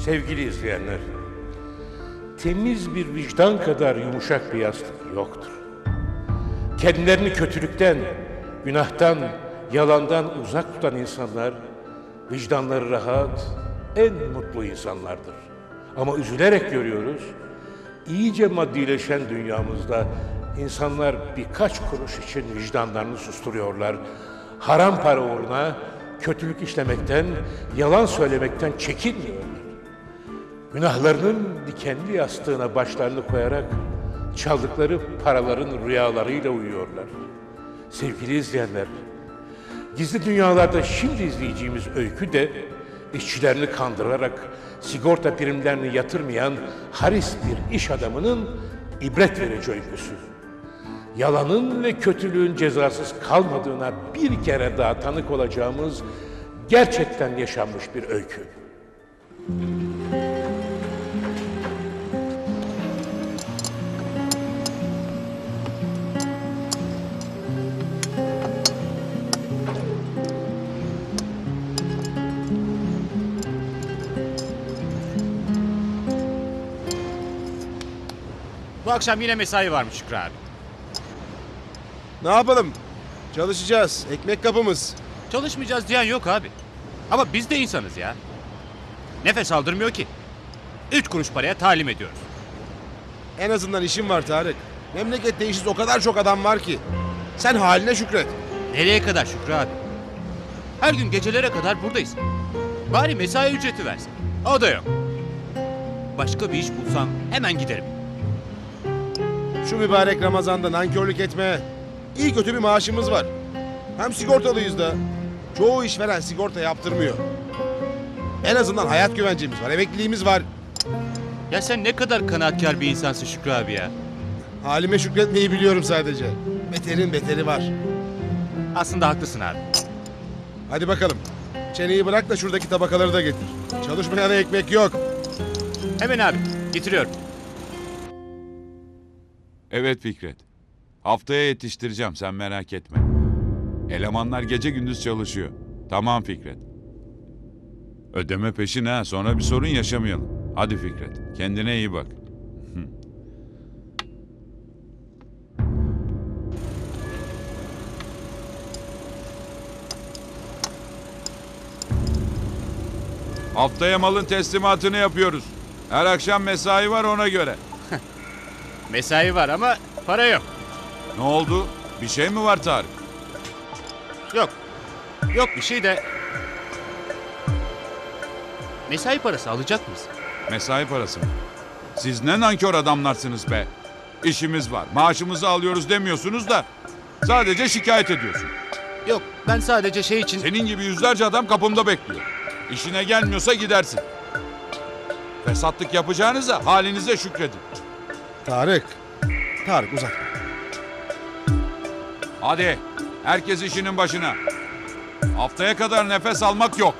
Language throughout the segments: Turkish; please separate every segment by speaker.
Speaker 1: Sevgili izleyenler, temiz bir vicdan kadar yumuşak bir yastık yoktur. Kendilerini kötülükten, günahtan, yalandan uzak tutan insanlar, vicdanları rahat, en mutlu insanlardır. Ama üzülerek görüyoruz, iyice maddileşen dünyamızda insanlar birkaç kuruş için vicdanlarını susturuyorlar. Haram para uğruna kötülük işlemekten, yalan söylemekten çekinmiyorlar. Günahlarının dikenli yastığına başlarını koyarak çaldıkları paraların rüyalarıyla uyuyorlar. Sevgili izleyenler, gizli dünyalarda şimdi izleyeceğimiz öykü de işçilerini kandırarak sigorta primlerini yatırmayan haris bir iş adamının ibret verici öyküsü. Yalanın ve kötülüğün cezasız kalmadığına bir kere daha tanık olacağımız gerçekten yaşanmış bir öykü.
Speaker 2: Bu akşam yine mesai varmış Şükrü abi.
Speaker 3: Ne yapalım? Çalışacağız. Ekmek kapımız.
Speaker 2: Çalışmayacağız diyen yok abi. Ama biz de insanız ya. Nefes aldırmıyor ki. 3 kuruş paraya talim ediyoruz.
Speaker 3: En azından işim var Tarık. Memlekette işsiz o kadar çok adam var ki. Sen haline şükret.
Speaker 2: Nereye kadar Şükrü abi? Her gün gecelere kadar buradayız. Bari mesai ücreti versin. O da yok. Başka bir iş bulsam hemen giderim.
Speaker 3: Şu mübarek Ramazan'da nankörlük etme. İyi kötü bir maaşımız var. Hem sigortalıyız da. Çoğu işveren sigorta yaptırmıyor. En azından hayat güvencemiz var, emekliliğimiz var.
Speaker 2: Ya sen ne kadar kanaatkar bir insansın Şükrü abi ya.
Speaker 3: Halime şükretmeyi biliyorum sadece. Beterin beteri var.
Speaker 2: Aslında haklısın abi.
Speaker 3: Hadi bakalım. Çeneyi bırak da şuradaki tabakaları da getir. Çalışmayana ekmek yok.
Speaker 2: Hemen abi getiriyorum.
Speaker 4: Evet Fikret. Haftaya yetiştireceğim, sen merak etme. Elemanlar gece gündüz çalışıyor. Tamam Fikret. Ödeme peşin ha, sonra bir sorun yaşamayalım. Hadi Fikret, kendine iyi bak. Haftaya malın teslimatını yapıyoruz. Her akşam mesai var, ona göre.
Speaker 2: Mesai var ama para yok.
Speaker 4: Ne oldu? Bir şey mi var Tarık?
Speaker 2: Yok. Yok bir şey de... Mesai parası alacak mıyız?
Speaker 4: Mesai parası mı? Siz ne nankör adamlarsınız be. İşimiz var, maaşımızı alıyoruz demiyorsunuz da sadece şikayet ediyorsun.
Speaker 2: Yok ben sadece şey için...
Speaker 4: Senin gibi yüzlerce adam kapımda bekliyor. İşine gelmiyorsa gidersin. Fesatlık yapacağınıza halinize şükredin.
Speaker 3: Tarık. Tarık uzatma.
Speaker 4: Hadi herkes işinin başına. Haftaya kadar nefes almak yok.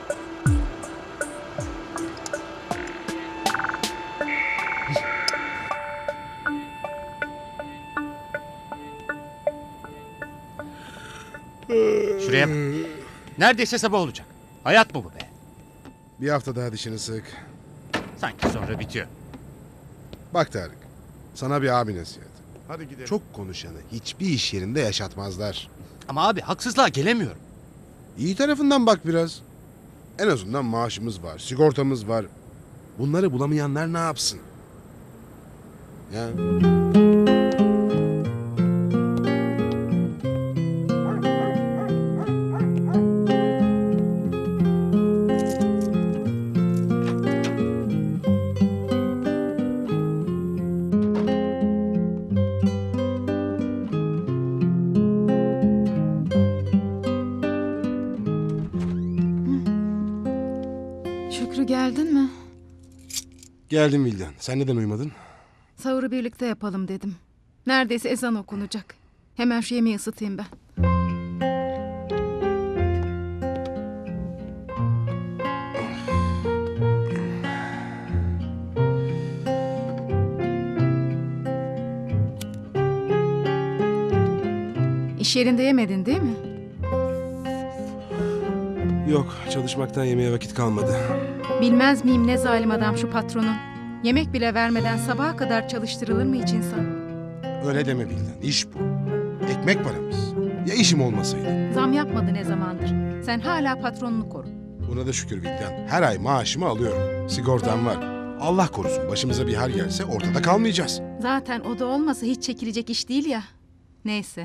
Speaker 2: Şuraya bak. Neredeyse sabah olacak. Hayat mı bu be?
Speaker 3: Bir hafta daha dişini sık.
Speaker 2: Sanki sonra bitiyor.
Speaker 3: Bak Tarık. Sana bir abi nasihat. Hadi gidelim. Çok konuşanı hiçbir iş yerinde yaşatmazlar.
Speaker 2: Ama abi haksızlığa gelemiyorum.
Speaker 3: İyi tarafından bak biraz. En azından maaşımız var, sigortamız var. Bunları bulamayanlar ne yapsın? Ya.
Speaker 5: Şükrü geldin mi?
Speaker 3: Geldim Vildan. Sen neden uyumadın?
Speaker 5: Sahuru birlikte yapalım dedim. Neredeyse ezan okunacak. Hemen şu yemeği ısıtayım ben. İş yerinde yemedin değil mi?
Speaker 3: Yok, çalışmaktan yemeğe vakit kalmadı.
Speaker 5: Bilmez miyim ne zalim adam şu patronun. Yemek bile vermeden sabaha kadar çalıştırılır mı hiç insan?
Speaker 3: Öyle deme Vildan, iş bu. Ekmek paramız. Ya işim olmasaydı?
Speaker 5: Zam yapmadı ne zamandır. Sen hala patronunu koru.
Speaker 3: Buna da şükür Vildan. Her ay maaşımı alıyorum. Sigortam var. Allah korusun başımıza bir hal gelse ortada kalmayacağız.
Speaker 5: Zaten o da olmasa hiç çekilecek iş değil ya. Neyse.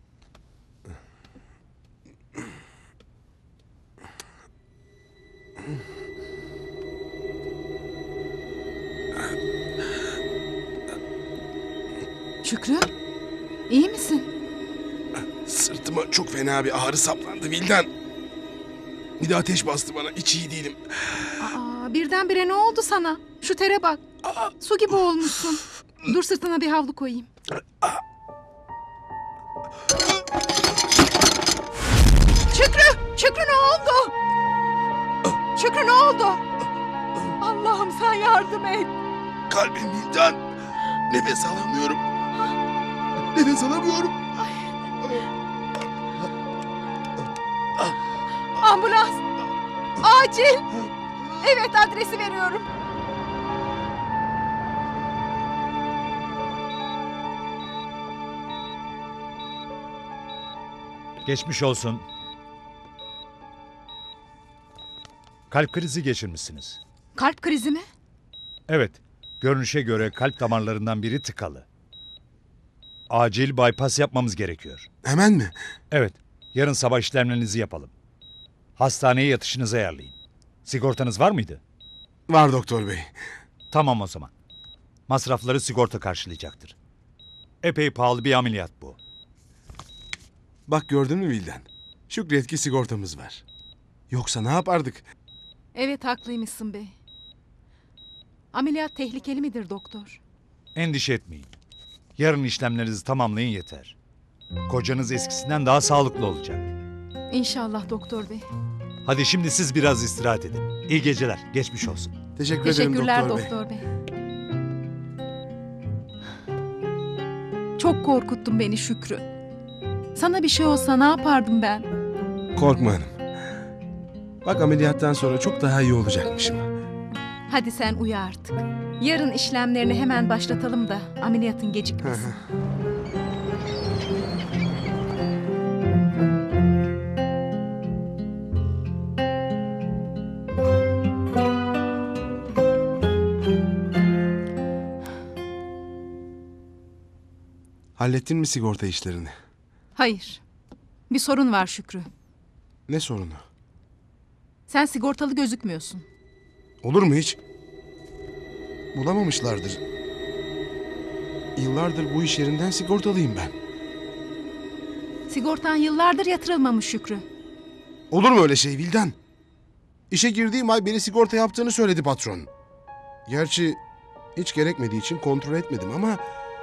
Speaker 5: Şükrü, iyi misin?
Speaker 3: Sırtıma çok fena bir ağrı saplandı Vildan. Bir de ateş bastı bana. Hiç iyi değilim.
Speaker 5: Aa, birdenbire ne oldu sana? Şu tere bak. Su gibi olmuşsun. Dur sırtına bir havlu koyayım. Şükrü ne oldu? Şükrü ne oldu? Allah'ım sen yardım et.
Speaker 3: Kalbim Vildan. Nefes alamıyorum. Nefes alamıyorum.
Speaker 5: Ambulans. Acil. Evet adresi veriyorum.
Speaker 6: Geçmiş olsun. Kalp krizi geçirmişsiniz.
Speaker 5: Kalp krizi mi?
Speaker 6: Evet, görünüşe göre kalp damarlarından biri tıkalı. Acil bypass yapmamız gerekiyor.
Speaker 3: Hemen mi?
Speaker 6: Evet, yarın sabah işlemlerinizi yapalım. Hastaneye yatışınızı ayarlayın. Sigortanız var mıydı?
Speaker 3: Var doktor bey.
Speaker 6: Tamam o zaman. Masrafları sigorta karşılayacaktır. Epey pahalı bir ameliyat bu.
Speaker 3: Bak gördün mü Vildan? Şükret ki sigortamız var. Yoksa ne yapardık?
Speaker 5: Evet haklıymışsın bey. Ameliyat tehlikeli midir doktor?
Speaker 6: Endişe etmeyin. Yarın işlemlerinizi tamamlayın yeter. Kocanız eskisinden daha sağlıklı olacak.
Speaker 5: İnşallah doktor bey.
Speaker 6: Hadi şimdi siz biraz istirahat edin. İyi geceler, geçmiş olsun.
Speaker 3: Teşekkür ederim
Speaker 5: Teşekkürler
Speaker 3: doktor bey.
Speaker 5: doktor bey. Çok korkuttun beni Şükrü. Sana bir şey olsa ne yapardım ben?
Speaker 3: Korkma hanım. Bak ameliyattan sonra çok daha iyi olacakmışım.
Speaker 5: Hadi sen uyu artık. Yarın işlemlerini hemen başlatalım da ameliyatın gecikmesin.
Speaker 3: Hallettin mi sigorta işlerini?
Speaker 5: Hayır. Bir sorun var Şükrü.
Speaker 3: Ne sorunu?
Speaker 5: Sen sigortalı gözükmüyorsun.
Speaker 3: Olur mu hiç? Bulamamışlardır. Yıllardır bu iş yerinden sigortalıyım ben.
Speaker 5: Sigortan yıllardır yatırılmamış Şükrü.
Speaker 3: Olur mu öyle şey Vildan? İşe girdiğim ay beni sigorta yaptığını söyledi patron. Gerçi hiç gerekmediği için kontrol etmedim ama...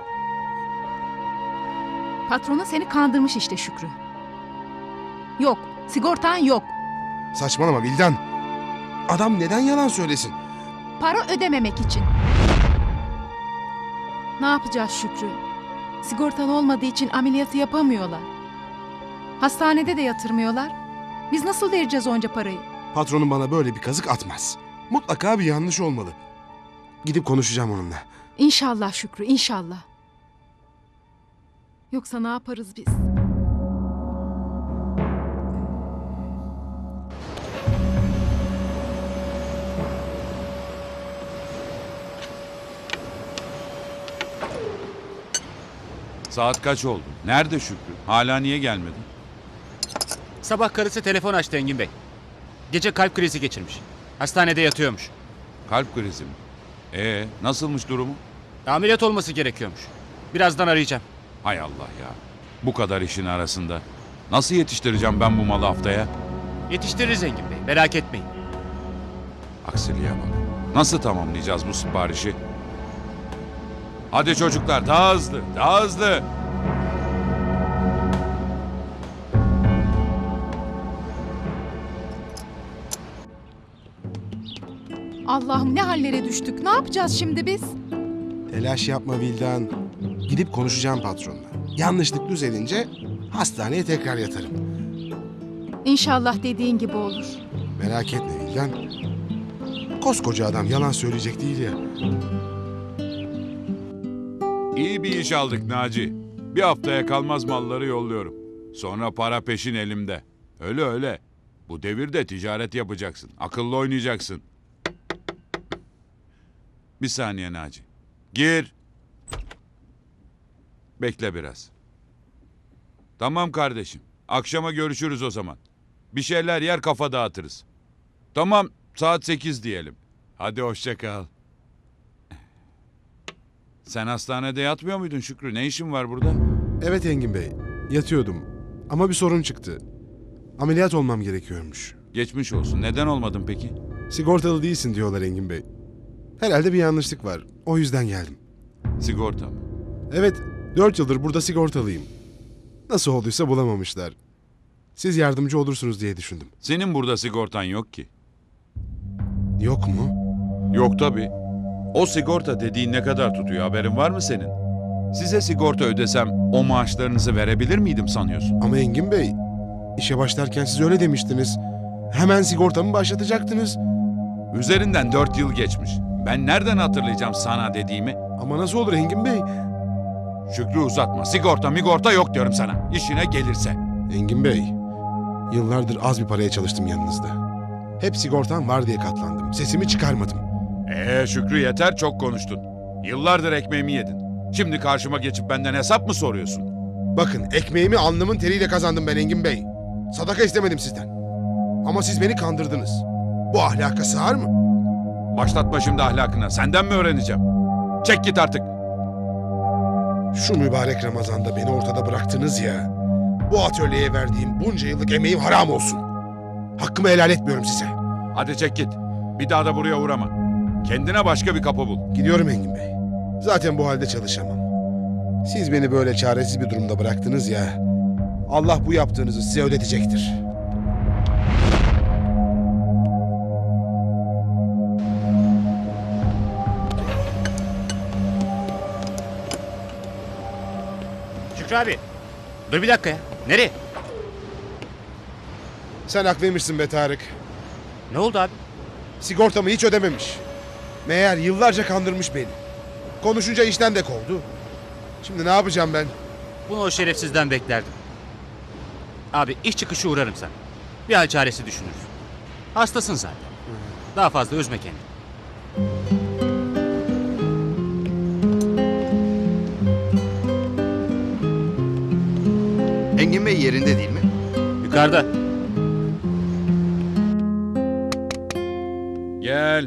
Speaker 5: Patronun seni kandırmış işte Şükrü. Yok, sigortan yok.
Speaker 3: Saçmalama Vildan. Adam neden yalan söylesin?
Speaker 5: Para ödememek için. Ne yapacağız Şükrü? Sigortan olmadığı için ameliyatı yapamıyorlar. Hastanede de yatırmıyorlar. Biz nasıl vereceğiz onca parayı?
Speaker 3: Patronum bana böyle bir kazık atmaz. Mutlaka bir yanlış olmalı. Gidip konuşacağım onunla.
Speaker 5: İnşallah Şükrü, inşallah. Yoksa ne yaparız biz?
Speaker 4: Saat kaç oldu? Nerede Şükrü? Hala niye gelmedi?
Speaker 2: Sabah karısı telefon açtı Engin Bey. Gece kalp krizi geçirmiş. Hastanede yatıyormuş.
Speaker 4: Kalp krizi mi? Nasılmış durumu?
Speaker 2: Ameliyat olması gerekiyormuş. Birazdan arayacağım.
Speaker 4: Hay Allah ya. Bu kadar işin arasında. Nasıl yetiştireceğim ben bu malı haftaya?
Speaker 2: Yetiştiririz Engin Bey, merak etmeyin.
Speaker 4: Aksiliğe bak. Nasıl tamamlayacağız bu siparişi? Hadi çocuklar daha hızlı, daha hızlı.
Speaker 5: Allah'ım ne hallere düştük. Ne yapacağız şimdi biz?
Speaker 3: Telaş yapma Vildan. Gidip konuşacağım patronla. Yanlışlık düzelince hastaneye tekrar yatarım.
Speaker 5: İnşallah dediğin gibi olur.
Speaker 3: Merak etme Vildan. Koskoca adam yalan söyleyecek değil ya.
Speaker 4: İyi bir iş aldık Naci. Bir haftaya kalmaz malları yolluyorum. Sonra para peşin elimde. Öyle öyle. Bu devirde ticaret yapacaksın. Akıllı oynayacaksın. Bir saniye Naci. Gir. Bekle biraz. Tamam kardeşim. Akşama görüşürüz o zaman. Bir şeyler yer kafa dağıtırız. Tamam, saat 8 diyelim. Hadi hoşça kal. Sen hastanede yatmıyor muydun Şükrü? Ne işin var burada?
Speaker 3: Evet Engin Bey, yatıyordum. Ama bir sorun çıktı. Ameliyat olmam gerekiyormuş.
Speaker 4: Geçmiş olsun. Neden olmadın peki?
Speaker 3: Sigortalı değilsin diyorlar Engin Bey. Herhalde bir yanlışlık var. O yüzden geldim.
Speaker 4: Sigorta mı?
Speaker 3: Evet, 4 yıldır burada sigortalıyım. Nasıl olduysa bulamamışlar. Siz yardımcı olursunuz diye düşündüm.
Speaker 4: Senin burada sigortan yok ki.
Speaker 3: Yok mu?
Speaker 4: Yok tabii. O sigorta dediğin ne kadar tutuyor haberin var mı senin? Size sigorta ödesem o maaşlarınızı verebilir miydim sanıyorsun?
Speaker 3: Ama Engin Bey, işe başlarken siz öyle demiştiniz. Hemen sigortamı başlatacaktınız.
Speaker 4: Üzerinden 4 yıl geçmiş. Ben nereden hatırlayacağım sana dediğimi?
Speaker 3: Ama nasıl olur Engin Bey?
Speaker 4: Şükrü uzatma. Sigorta migorta yok diyorum sana. İşine gelirse.
Speaker 3: Engin Bey, yıllardır az bir paraya çalıştım yanınızda. Hep sigortam var diye katlandım. Sesimi çıkarmadım.
Speaker 4: Şükrü yeter çok konuştun. Yıllardır ekmeğimi yedin. Şimdi karşıma geçip benden hesap mı soruyorsun?
Speaker 3: Bakın ekmeğimi alnımın teriyle kazandım ben Engin Bey. Sadaka istemedim sizden. Ama siz beni kandırdınız. Bu ahlaka sığar mı?
Speaker 4: Başlatma şimdi ahlakına. Senden mi öğreneceğim? Çek git artık.
Speaker 3: Şu mübarek Ramazan'da beni ortada bıraktınız ya. Bu atölyeye verdiğim bunca yıllık emeğim haram olsun. Hakkımı helal etmiyorum size.
Speaker 4: Hadi çek git. Bir daha da buraya uğrama. Kendine başka bir kapı bul.
Speaker 3: Gidiyorum Engin Bey. Zaten bu halde çalışamam. Siz beni böyle çaresiz bir durumda bıraktınız ya. Allah bu yaptığınızı size ödetecektir.
Speaker 2: Şükrü abi. Dur bir dakika ya. Nereye?
Speaker 3: Sen haklıymışsın be Tarık.
Speaker 2: Ne oldu abi?
Speaker 3: Sigortamı hiç ödememiş. Meğer yıllarca kandırmış beni. Konuşunca işten de kovdu. Şimdi ne yapacağım ben?
Speaker 2: Bunu o şerefsizden beklerdim. Abi iş çıkışı uğrarım sana. Bir hal çaresi düşünürüz. Hastasın zaten. Daha fazla üzme kendini.
Speaker 7: Engin Bey yerinde değil mi?
Speaker 2: Yukarıda.
Speaker 4: Gel.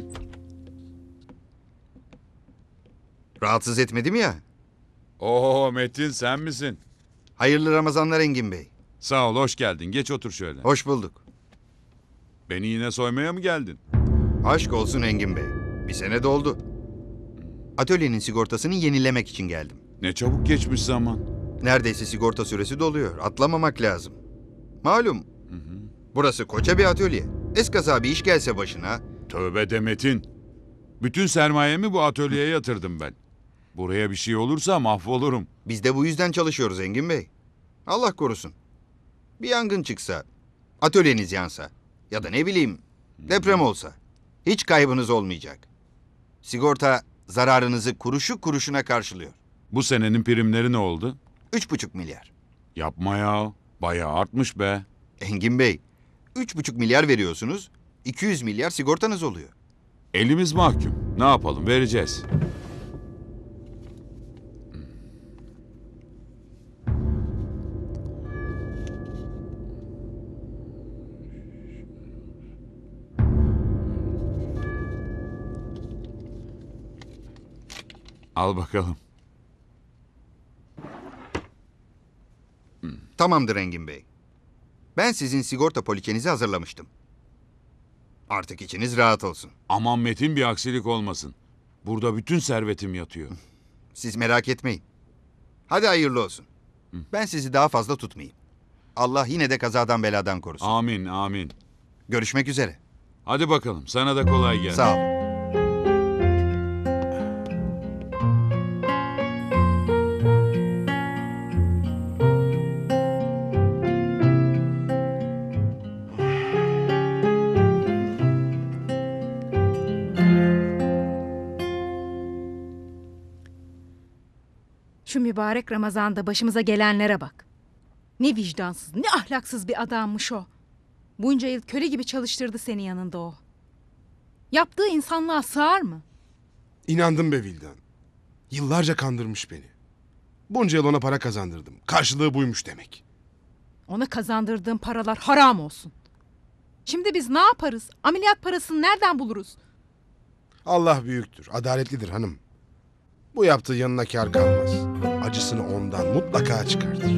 Speaker 7: Rahatsız etmedim ya.
Speaker 4: Oo Metin sen misin?
Speaker 7: Hayırlı Ramazanlar Engin Bey.
Speaker 4: Sağ ol hoş geldin. Geç otur şöyle.
Speaker 7: Hoş bulduk.
Speaker 4: Beni yine soymaya mı geldin?
Speaker 7: Aşk olsun Engin Bey. Bir sene doldu. Atölyenin sigortasını yenilemek için geldim.
Speaker 4: Ne çabuk geçmiş zaman.
Speaker 7: Neredeyse sigorta süresi doluyor. Atlamamak lazım. Malum. Burası koca bir atölye. Eskaza bir iş gelse başına.
Speaker 4: Tövbe de Metin. Bütün sermayemi bu atölyeye yatırdım ben. Buraya bir şey olursa mahvolurum.
Speaker 7: Biz de bu yüzden çalışıyoruz Engin Bey. Allah korusun. Bir yangın çıksa, atölyeniz yansa ya da ne bileyim deprem olsa hiç kaybınız olmayacak. Sigorta zararınızı kuruşu kuruşuna karşılıyor.
Speaker 4: Bu senenin primleri ne oldu?
Speaker 7: 3,5 milyar.
Speaker 4: Yapma ya. Bayağı artmış be.
Speaker 7: Engin Bey, 3,5 milyar veriyorsunuz, 200 milyar sigortanız oluyor.
Speaker 4: Elimiz mahkum. Ne yapalım vereceğiz. Al bakalım.
Speaker 7: Tamamdır Engin Bey. Ben sizin sigorta poliçenizi hazırlamıştım. Artık içiniz rahat olsun.
Speaker 4: Aman Metin bir aksilik olmasın. Burada bütün servetim yatıyor.
Speaker 7: Siz merak etmeyin. Hadi hayırlı olsun. Ben sizi daha fazla tutmayayım. Allah yine de kazadan beladan korusun.
Speaker 4: Amin amin.
Speaker 7: Görüşmek üzere.
Speaker 4: Hadi bakalım sana da kolay gelsin.
Speaker 7: Sağ olun.
Speaker 5: Şu mübarek Ramazan'da başımıza gelenlere bak. Ne vicdansız, ne ahlaksız bir adammış o. Bunca yıl köle gibi çalıştırdı seni yanında o. Yaptığı insanlığa sığar mı?
Speaker 3: İnandım be Vildan. Yıllarca kandırmış beni. Bunca yıl ona para kazandırdım. Karşılığı buymuş demek.
Speaker 5: Ona kazandırdığın paralar haram olsun. Şimdi biz ne yaparız? Ameliyat parasını nereden buluruz?
Speaker 3: Allah büyüktür, adaletlidir hanım. Bu yaptığı yanına kâr kalmaz. Acısını ondan mutlaka çıkartır.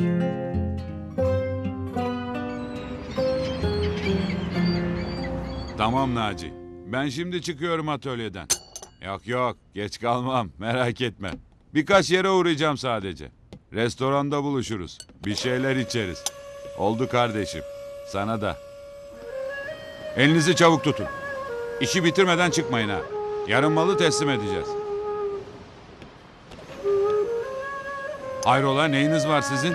Speaker 4: Tamam Naci. Ben şimdi çıkıyorum atölyeden. Yok geç kalmam merak etme. Birkaç yere uğrayacağım sadece. Restoranda buluşuruz. Bir şeyler içeriz. Oldu kardeşim. Sana da. Elinizi çabuk tutun. İşi bitirmeden çıkmayın ha. Yarın malı teslim edeceğiz. Hayrola neyiniz var sizin?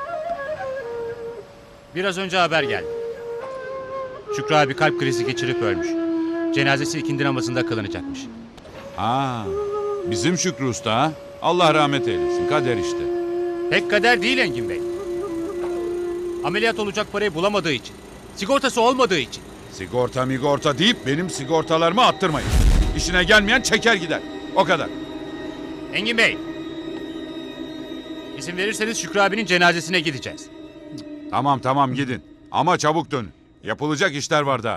Speaker 2: Biraz önce haber geldi. Şükrü abi kalp krizi geçirip ölmüş. Cenazesi ikindi namazında kılınacakmış.
Speaker 4: Ha, bizim Şükrü Usta ha? Allah rahmet eylesin. Kader işte.
Speaker 2: Pek kader değil Engin Bey. Ameliyat olacak parayı bulamadığı için. Sigortası olmadığı için.
Speaker 4: Sigorta migorta deyip benim sigortalarımı attırmayın. İşine gelmeyen çeker gider. O kadar.
Speaker 2: Engin Bey. İzin verirseniz Şükrü abinin cenazesine gideceğiz.
Speaker 4: Tamam gidin. Ama çabuk dönün. Yapılacak işler var daha.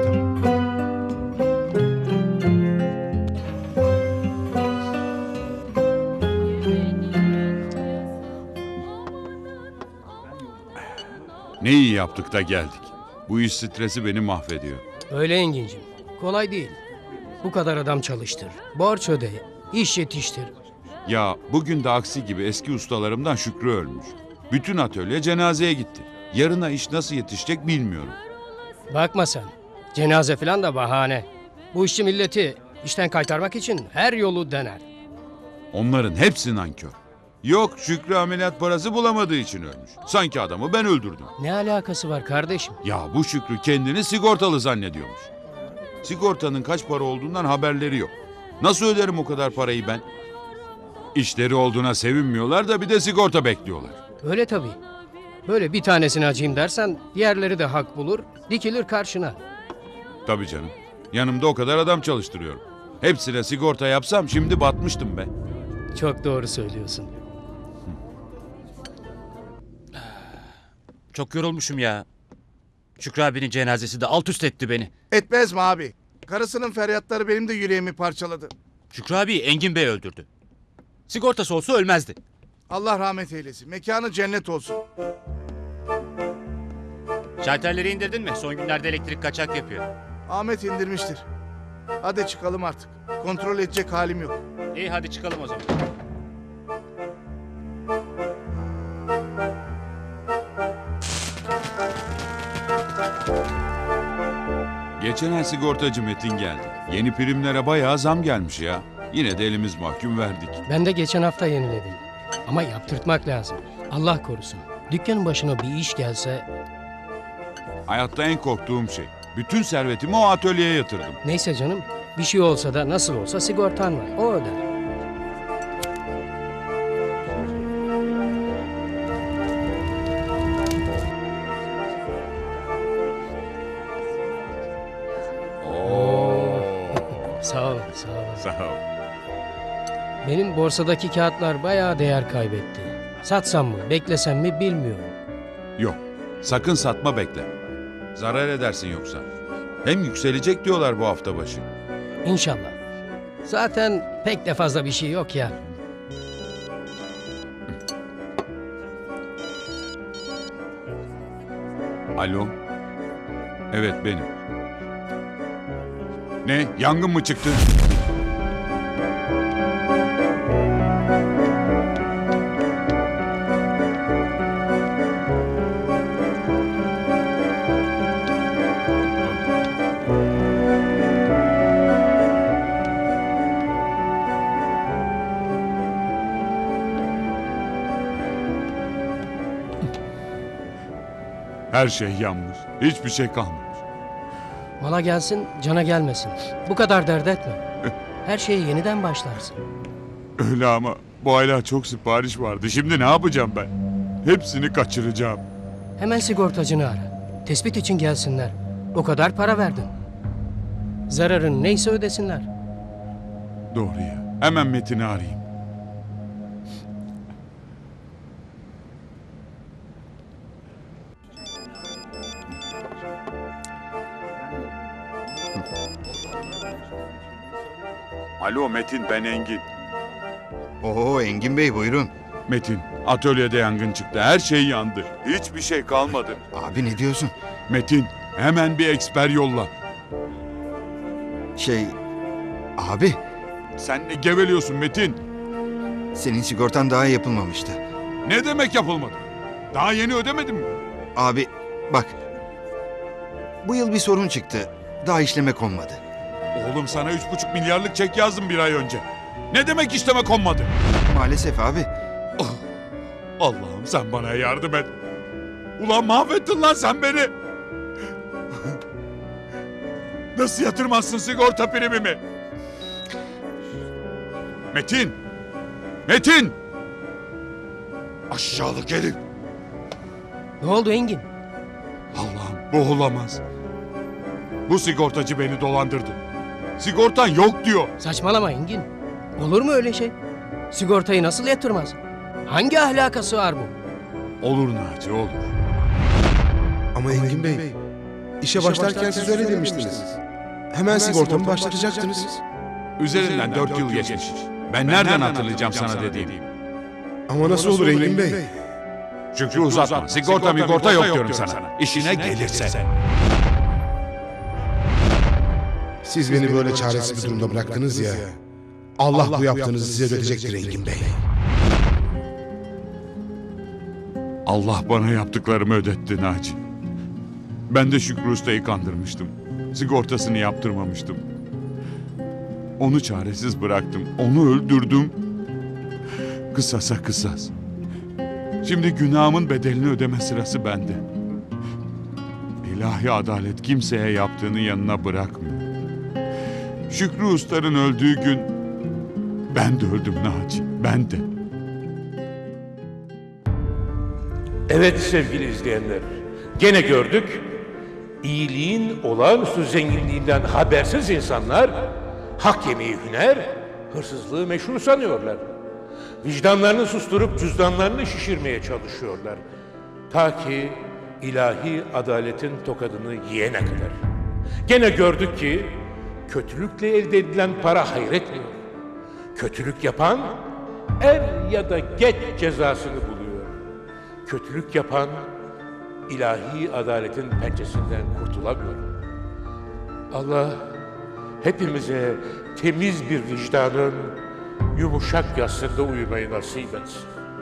Speaker 4: Ne iyi yaptık da geldik. Bu iş stresi beni mahvediyor.
Speaker 8: Öyle Engin'cim. Kolay değil. Bu kadar adam çalıştır. Borç öde. İş yetiştir.
Speaker 4: Ya bugün de aksi gibi eski ustalarımdan Şükrü ölmüş. Bütün atölye cenazeye gitti. Yarına iş nasıl yetişecek bilmiyorum.
Speaker 8: Bakma sen. Cenaze falan da bahane. Bu işçi milleti işten kaytarmak için her yolu dener.
Speaker 4: Onların hepsi nankör. Yok Şükrü ameliyat parası bulamadığı için ölmüş. Sanki adamı ben öldürdüm.
Speaker 8: Ne alakası var kardeşim?
Speaker 4: Ya bu Şükrü kendini sigortalı zannediyormuş. Sigortanın kaç para olduğundan haberleri yok. Nasıl öderim o kadar parayı ben? İşleri olduğuna sevinmiyorlar da bir de sigorta bekliyorlar.
Speaker 8: Öyle tabii. Böyle bir tanesini acıyım dersen diğerleri de hak bulur, dikilir karşına.
Speaker 4: Tabii canım. Yanımda o kadar adam çalıştırıyorum. Hepsine sigorta yapsam şimdi batmıştım be.
Speaker 8: Çok doğru söylüyorsun.
Speaker 2: Çok yorulmuşum ya. Şükrü abinin cenazesi de alt üst etti beni.
Speaker 9: Etmez mi abi? Karısının feryatları benim de yüreğimi parçaladı.
Speaker 2: Şükrü abi Engin Bey öldürdü. Sigortası olsa ölmezdi.
Speaker 9: Allah rahmet eylesin. Mekanı cennet olsun.
Speaker 2: Şalterleri indirdin mi? Son günlerde elektrik kaçak yapıyor.
Speaker 9: Ahmet indirmiştir. Hadi çıkalım artık. Kontrol edecek halim yok.
Speaker 2: İyi hadi çıkalım o zaman.
Speaker 4: Geçen ay sigortacı Metin geldi. Yeni primlere bayağı zam gelmiş ya. Yine de elimiz mahkum verdik.
Speaker 8: Ben de geçen hafta yeniledim. Ama yaptırtmak lazım. Allah korusun. Dükkanın başına bir iş gelse...
Speaker 4: Hayatta en korktuğum şey. Bütün servetimi o atölyeye yatırdım.
Speaker 8: Neyse canım. Bir şey olsa da nasıl olsa sigortan var. O öder. Sağ ol, sağ ol.
Speaker 4: Sağ ol.
Speaker 8: Benim borsadaki kağıtlar bayağı değer kaybetti. Satsam mı, beklesem mi bilmiyorum.
Speaker 4: Yok. Sakın satma bekle. Zarar edersin yoksa. Hem yükselecek diyorlar bu hafta başı.
Speaker 8: İnşallah. Zaten pek de fazla bir şey yok ya.
Speaker 4: Alo. Evet benim. Ne? Yangın mı çıktı? Her şey yanmış. Hiçbir şey kalmamış.
Speaker 8: Mala gelsin, cana gelmesin. Bu kadar dert etme. Her şeye yeniden başlarsın.
Speaker 4: Öyle ama Bu aylar çok sipariş vardı. Şimdi ne yapacağım ben? Hepsini kaçıracağım.
Speaker 8: Hemen sigortacını ara. Tespit için gelsinler. O kadar para verdin. Zararın neyse ödesinler.
Speaker 4: Doğru ya. Hemen Metin'i arayayım. Alo Metin, ben Engin.
Speaker 7: Oo Engin Bey buyurun.
Speaker 4: Metin, atölyede yangın çıktı. Her şey yandı. Hiçbir şey kalmadı.
Speaker 7: Abi ne diyorsun?
Speaker 4: Metin, hemen bir eksper yolla.
Speaker 7: Abi
Speaker 4: Sen ne geveliyorsun Metin?
Speaker 7: senin sigortan daha yapılmamıştı.
Speaker 4: Ne demek yapılmadı? Daha yeni ödemedim mi?
Speaker 7: Abi bak. Bu yıl bir sorun çıktı. Daha işleme konmadı.
Speaker 4: Oğlum sana 3,5 milyarlık çek yazdım bir ay önce. Ne demek işleme konmadı?
Speaker 7: Maalesef abi.
Speaker 4: Allah'ım sen bana yardım et. Ulan mahvettin lan sen beni. Nasıl yatırmazsın sigorta primimi? Metin! Metin! Aşağılık herif.
Speaker 8: Ne oldu Engin?
Speaker 4: Allah'ım bu olamaz. Bu sigortacı beni dolandırdı. Sigortan yok diyor.
Speaker 8: Saçmalama Engin. Olur mu öyle şey? Sigortayı nasıl yatırmaz? Hangi ahlakası var bu?
Speaker 4: Olur Naci olur.
Speaker 3: Ama Engin Bey, işe başlarken siz öyle demiştiniz. Hemen sigortamı başlatacaktınız.
Speaker 4: Üzerinden 4 yıl geçmiş. Ben nereden hatırlayacağım sana dediğim?
Speaker 3: Ama nasıl olur Engin Bey?
Speaker 4: Şükrü uzatma. Sigorta yok diyorum sana. İşine gelirse.
Speaker 3: Siz beni böyle çaresiz bir durumda bıraktınız ya. Allah bu yaptığınızı size ödetecektir Engin Bey.
Speaker 4: Allah bana yaptıklarımı ödetti Naci. Ben de Şükrü Usta'yı kandırmıştım. Sigortasını yaptırmamıştım. Onu çaresiz bıraktım. Onu öldürdüm. Kısasa kısas. Şimdi günahımın bedelini ödeme sırası bende. İlahi adalet kimseye yaptığını yanına bırakmıyor. Şükrü Usta'nın öldüğü gün ben de öldüm Naci. Ben de.
Speaker 1: Evet sevgili izleyenler, gene gördük. İyiliğin olağanüstü zenginliğinden habersiz insanlar hak yemeyi hüner, hırsızlığı meşru sanıyorlar. Vicdanlarını susturup cüzdanlarını şişirmeye çalışıyorlar. Ta ki ilahi adaletin tokadını yiyene kadar. Gene gördük ki kötülükle elde edilen para hayretmiyor. Kötülük yapan er ya da geç cezasını buluyor. Kötülük yapan ilahi adaletin pençesinden kurtulamıyor. Allah hepimize temiz bir vicdanın yumuşak yastığında uyumayı nasip etsin.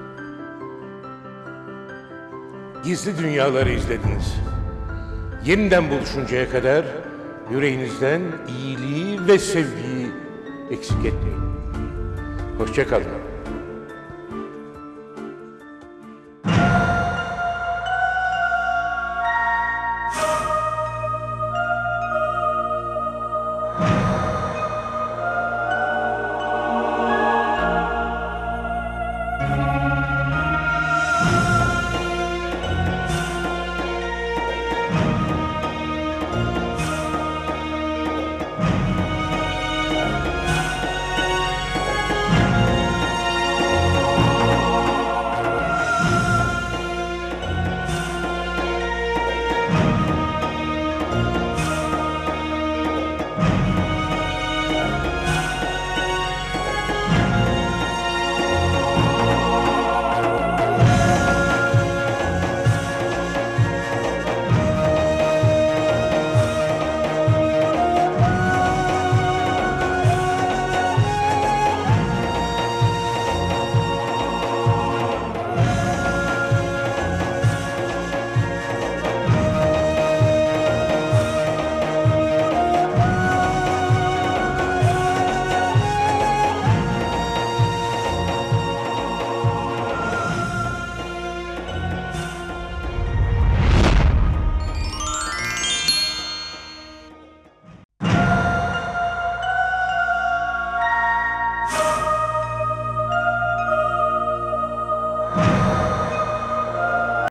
Speaker 1: Gizli dünyaları izlediniz. Yeniden buluşuncaya kadar yüreğinizden iyiliği ve sevgiyi eksik etmeyin. Hoşça kalın.